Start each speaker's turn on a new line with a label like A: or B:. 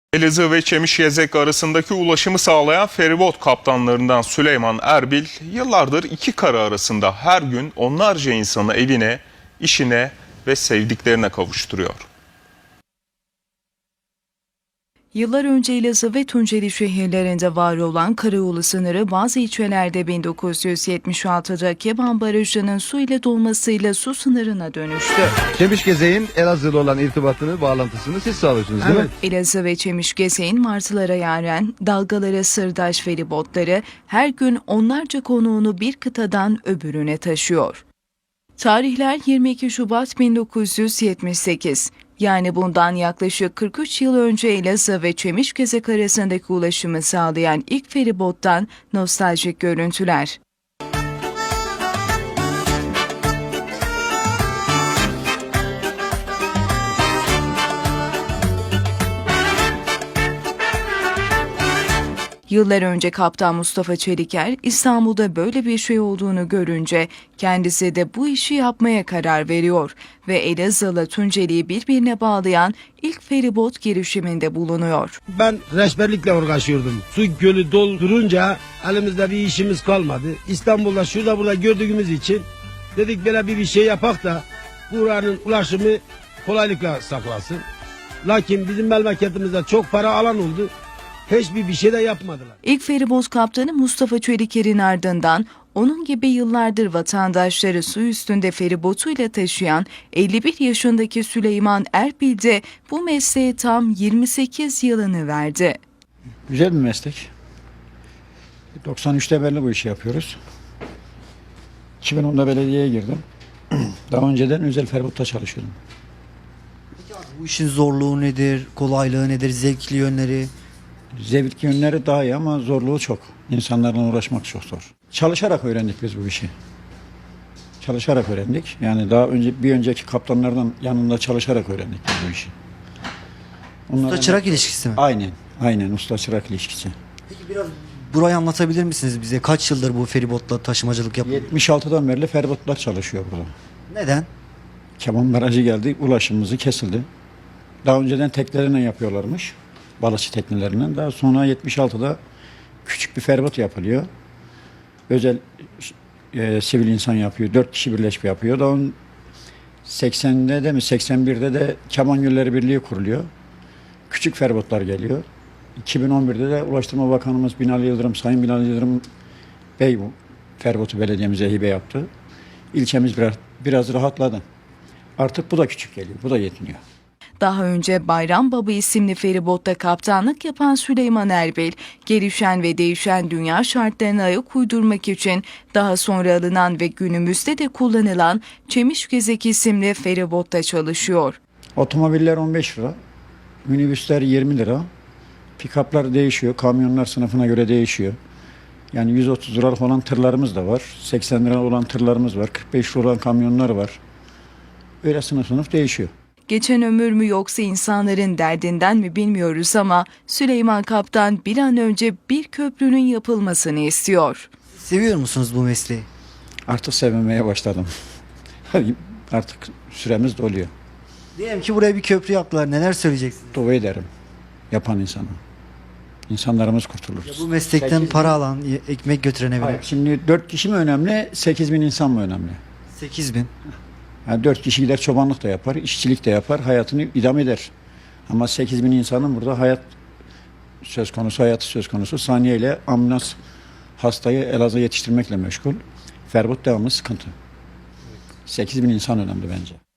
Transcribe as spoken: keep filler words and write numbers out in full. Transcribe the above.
A: Elazığ ve Çemişgezek arasındaki ulaşımı sağlayan feribot kaptanlarından Süleyman Erbil, yıllardır iki kara arasında her gün onlarca insanı evine, işine ve sevdiklerine kavuşturuyor.
B: Yıllar önce Elazığ ve Tunceli şehirlerinde var olan karayolu sınırı bazı ilçelerde bin dokuz yüz yetmiş altıda Keban Barajı'nın su ile dolmasıyla su sınırına dönüştü.
C: Çemişgezek'in Elazığ'la olan irtibatını, bağlantısını siz sağlıyorsunuz değil
B: Evet.
C: mi?
B: Elazığ ve Çemişgezek'in martılara yaren, dalgalara sırdaş feribotları her gün onlarca konuğunu bir kıtadan öbürüne taşıyor. Tarihler yirmi iki Şubat bin dokuz yüz yetmiş sekiz. Yani bundan yaklaşık kırk üç yıl önce Elazığ ve Çemişgezek arasındaki ulaşımı sağlayan ilk feribottan nostaljik görüntüler. Yıllar önce Kaptan Mustafa Çeliker, İstanbul'da böyle bir şey olduğunu görünce kendisi de bu işi yapmaya karar veriyor ve Elazığ'la Tunceli'yi birbirine bağlayan ilk feribot girişiminde bulunuyor.
D: Ben reçberlikle uğraşıyordum. Su gölü doldurunca elimizde bir işimiz kalmadı. İstanbul'da şurada burada gördüğümüz için dedik böyle bir, bir şey yapak da buranın ulaşımı kolaylıkla saklasın. Lakin bizim memleketimizde çok para alan oldu. Hiçbir bir şey de yapmadılar.
B: İlk feribot kaptanı Mustafa Çeliker'in ardından onun gibi yıllardır vatandaşları su üstünde feribotuyla taşıyan elli bir yaşındaki Süleyman Erbil de bu mesleğe tam yirmi sekiz yılını verdi.
E: Güzel bir meslek. doksan üçte beri bu işi yapıyoruz. iki bin onda belediyeye girdim. Daha önceden özel feribotta çalışıyordum.
F: Bu işin zorluğu nedir, kolaylığı nedir, zevkli yönleri?
E: Zevkli yönleri daha iyi ama zorluğu çok. İnsanlarla uğraşmak çok zor. Çalışarak öğrendik biz bu işi. Çalışarak öğrendik. Yani daha önce bir önceki kaptanlardan yanında çalışarak öğrendik biz bu işi.
F: Usta çırak ilişkisi mi?
E: Aynen. Aynen usta çırak ilişkisi.
F: Peki biraz burayı anlatabilir misiniz bize? Kaç yıldır bu feribotla taşımacılık yapıyor?
E: yetmiş altıdan beri feribotlar çalışıyor burada.
F: Neden?
E: Keban Barajı geldi, ulaşımımızı kesildi. Daha önceden teknelerine yapıyorlarmış. Balıkçı teknelerinden. Daha sonra yetmiş altıda küçük bir feribot yapılıyor. Özel e, sivil insan yapıyor. Dört kişi birleşip yapıyor. Daha seksende de mi seksen birde de Keban Gölleri Birliği kuruluyor. Küçük feribotlar geliyor. iki bin on birde de Ulaştırma Bakanımız Binali Yıldırım, Sayın Binali Yıldırım Bey bu feribotu belediyemize hibe yaptı. İlçemiz biraz, biraz rahatladı. Artık bu da küçük geliyor. Bu da yetmiyor.
B: Daha önce Bayram Baba isimli feribotta kaptanlık yapan Süleyman Erbil, gelişen ve değişen dünya şartlarına ayak uydurmak için daha sonra alınan ve günümüzde de kullanılan Çemişgezek isimli feribotta çalışıyor.
E: Otomobiller on beş lira, minibüsler yirmi lira, pikaplar değişiyor, kamyonlar sınıfına göre değişiyor. Yani yüz otuz liralık olan tırlarımız da var, seksen lira olan tırlarımız var, kırk beş lira olan kamyonlar var. Öyle sınıf sınıf değişiyor.
B: Geçen ömür mü yoksa insanların derdinden mi bilmiyoruz ama Süleyman Kaptan bir an önce bir köprünün yapılmasını istiyor.
F: Seviyor musunuz bu mesleği?
E: Artık sevmemeye başladım. Artık süremiz doluyor.
F: Diyelim ki buraya bir köprü yaptılar. Neler söyleyeceksiniz?
E: Dua ederim yapan insana. İnsanlarımız kurtulur.
F: Ya bu meslekten
E: sekiz
F: para alan, ekmek götürene
E: Hayır,
F: bile.
E: şimdi dört kişi mi önemli, sekiz bin insan mı önemli?
F: sekiz bin.
E: Yani dört kişi gider çobanlık da yapar, işçilik de yapar, hayatını idame eder. Ama sekiz bin insanın burada hayat söz konusu, hayatı söz konusu. Saniyeyle ambulans hastayı Elazığ'a yetiştirmekle meşgul. Feribot devamlı sıkıntı. sekiz bin insan önemli bence.